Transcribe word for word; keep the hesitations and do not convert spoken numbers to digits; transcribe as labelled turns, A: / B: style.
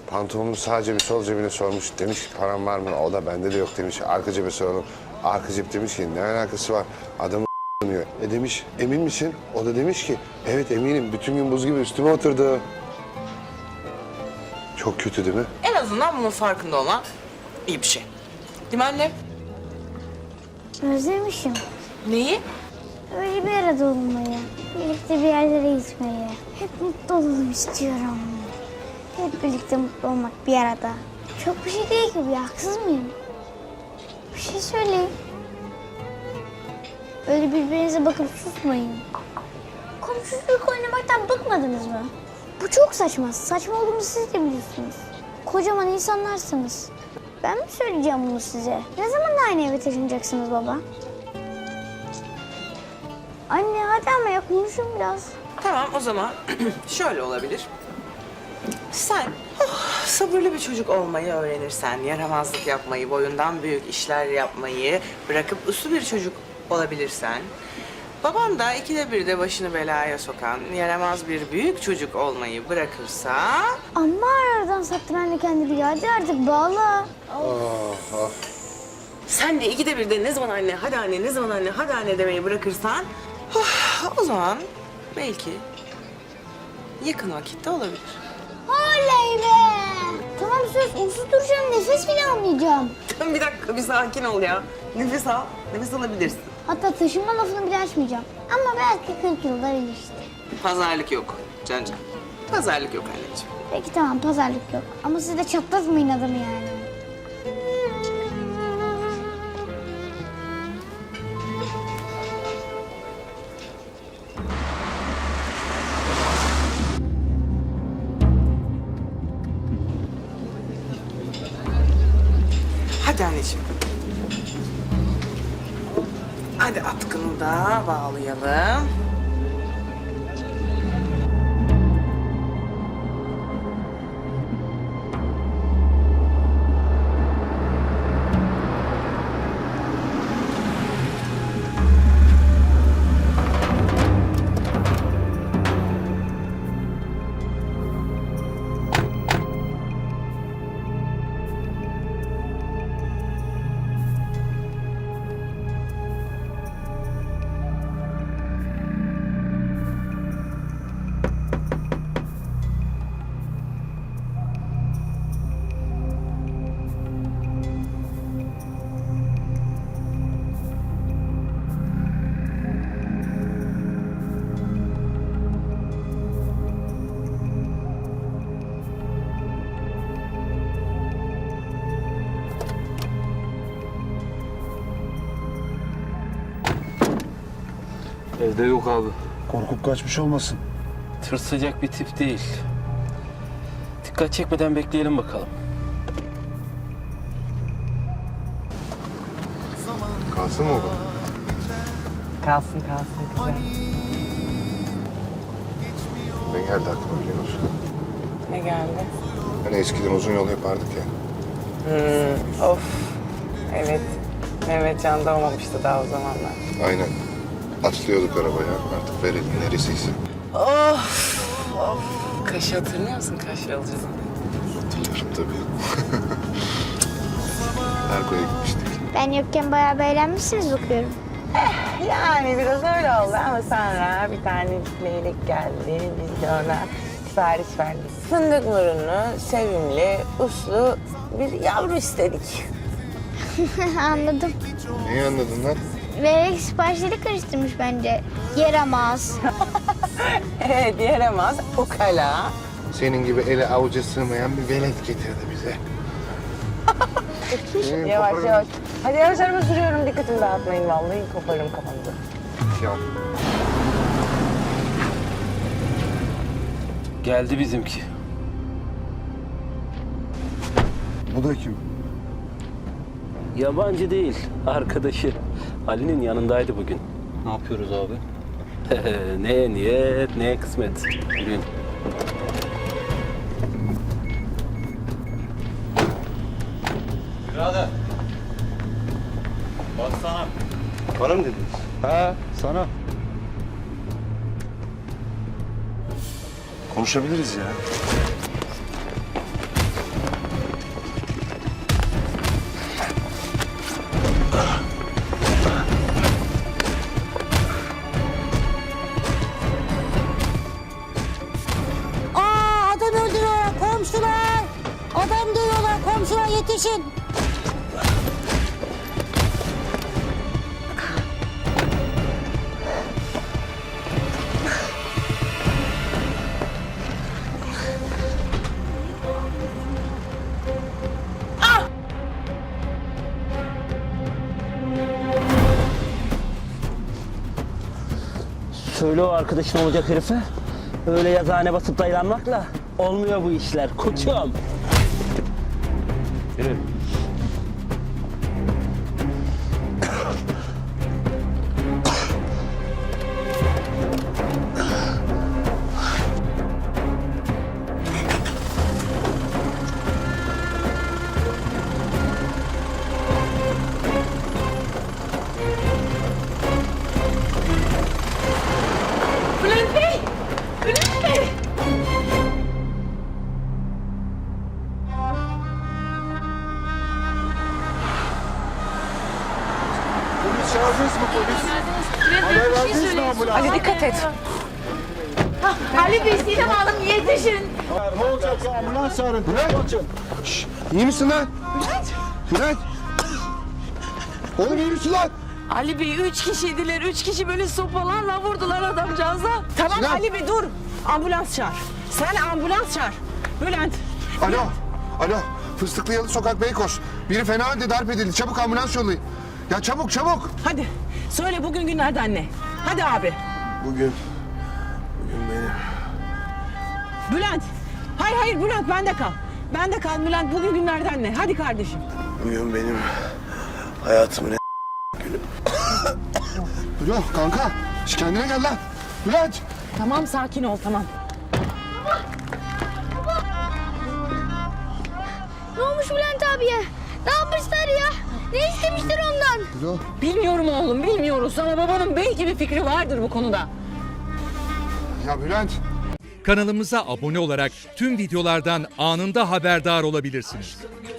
A: Pantolonun sağ cebi sol cebine sormuş. Demiş ki param var mı? O da bende de yok demiş. Arka cebe soralım. Arka cep demiş ki ne alakası var? Adamı diyor. E demiş emin misin? O da demiş ki evet eminim. Bütün gün buz gibi üstüme oturdu. Çok kötü değil mi?
B: En azından bunun farkında olan iyi bir şey. Değil mi anne?
C: Özlemişim.
B: Neyi?
C: Öyle bir arada olmayı, birlikte bir yerlere gitmeyi. Hep mutlu olalım istiyorum. Hep birlikte mutlu olmak bir arada. Çok bir şey değil ki bu, haksız mıyım? Bir şey söyleyin. Öyle birbirinize bakıp susmayın. Komşuluk oynamaktan bıkmadınız mı? Bu çok saçma. Saçma olduğunu siz de biliyorsunuz. Kocaman insanlarsınız. Ben mi söyleyeceğim bunu size? Ne zaman aynı eve taşınacaksınız baba? Anne hadi ama ya konuşun biraz.
B: Tamam o zaman şöyle olabilir. Sen oh, sabırlı bir çocuk olmayı öğrenirsen, yaramazlık yapmayı, boyundan büyük işler yapmayı bırakıp uslu bir çocuk olabilirsen, baban da ikide bir de başını belaya sokan, yaramaz bir büyük çocuk olmayı bırakırsa...
C: Amma aradan sattı ben de kendimi. Hadi artık bağla.
B: Sen de ikide bir de ne zaman anne, hadi anne, ne zaman anne, hadi anne demeyi bırakırsan... oh, o zaman belki yakın vakitte olabilir.
C: Oley be! Tamam söz, uslu duracağım, nefes bile almayacağım.
B: Bir dakika, bir sakin ol ya. Nefes al, nefes alabilirsin.
C: Hatta taşınma lafını bile açmayacağım. Ama belki kırk yılda işte.
B: Pazarlık yok Cancan. Pazarlık yok anneciğim.
C: Peki tamam, pazarlık yok. Ama siz de çatlatmayın adamı yani.
B: Hadi anneciğim. Hadi atkını da bağlayalım.
D: Evde yok abi.
E: Korkup kaçmış olmasın.
D: Tırsacak bir tip değil. Dikkat çekmeden bekleyelim bakalım.
A: Kalsın mı o?
B: Kalsın kalsın güzel.
A: Ne geldi aklıma biliyor musun?
B: Ne geldi?
A: Hani eskiden uzun yol yapardık ya.
B: Hmm, of. Evet. Mehmet Can doğmamıştı daha o zamanlar.
A: Aynen. Atlıyorduk arabaya. Artık verelim neresiyse.
B: Of. Of. Kaşı hatırlıyor musun Kaş yolculuğunu?
A: Hatırlıyorum tabii. Erko'ya gitmiştik.
C: Ben yokken bayağı beğenmişsiniz bakıyorum.
B: Yani biraz öyle oldu ama sonra bir tane leylek geldi. Biz de ona sipariş verdik. Fındık burunlu, sevimli, uslu bir yavru istedik.
C: Anladım.
A: Neyi anladın lan?
C: Vererek siparişleri karıştırmış bence. Yaramaz.
B: Evet, yaramaz, ukala.
A: Senin gibi ele avuca sığmayan bir velet getirdi bize. Senin
B: Yavaş
A: koparırım.
B: yavaş. Hadi yavaş araba sürüyorum. Dikkatimi dağıtmayın vallahi. Koparırım kafanızı.
A: Ya.
D: Geldi bizimki.
E: Bu da kim?
D: Yabancı değil, arkadaşı. Ali'nin yanındaydı bugün.
F: Ne yapıyoruz abi?
D: Neye niyet, neye kısmet. Bugün.
F: Birader. Baksana.
A: Bana mı dediniz?
E: Ha, sana.
A: Konuşabiliriz ya.
C: yetişin.
D: Söyle o arkadaşın olacak herife. Öyle yazıhane basıp dayılanmakla olmuyor bu işler koçum. Yürü.
B: Bülent Bey! Bülent Bey!
E: Polis çağırdınız mı polis? Haber verdiniz mi ambulans?
B: Ali dikkat et.
C: Ali Bey Sinem Hanım yetişin.
E: Ne olacaksa ambulans çağırın. Kaçın.
A: İyi misin lan? Bülent! Oğlum iyi misin lan?
B: Ali Bey üç kişiydiler. Üç kişi böyle sopalarla vurdular adamcağıza. Tamam
A: Sinan.
B: Ali Bey dur. Ambulans çağır. Sen ambulans çağır. Bülent.
A: Alo, alo. Fıstıklı Yalı Sokak Beykoz. Biri fena halde darp edildi. Çabuk ambulans yollayın. Ya çabuk çabuk.
B: Hadi söyle bugün günlerden ne? Hadi abi.
A: Bugün, bugün benim.
B: Bülent. Hayır hayır Bülent bende kal. Bende kal Bülent bugün günlerden ne? Hadi kardeşim.
A: Bugün benim hayatımın en günü. Alo kanka. Şş, kendine gel lan. Bülent.
B: Tamam sakin ol tamam.
C: Ne olmuş Bülent abiye? Ne yapmışlar ya? Ne istemişler ondan?
A: Alo.
B: Bilmiyorum oğlum bilmiyoruz ama babanın belki bir fikri vardır bu konuda.
A: Ya Bülent.
F: Kanalımıza abone olarak tüm videolardan anında haberdar olabilirsiniz.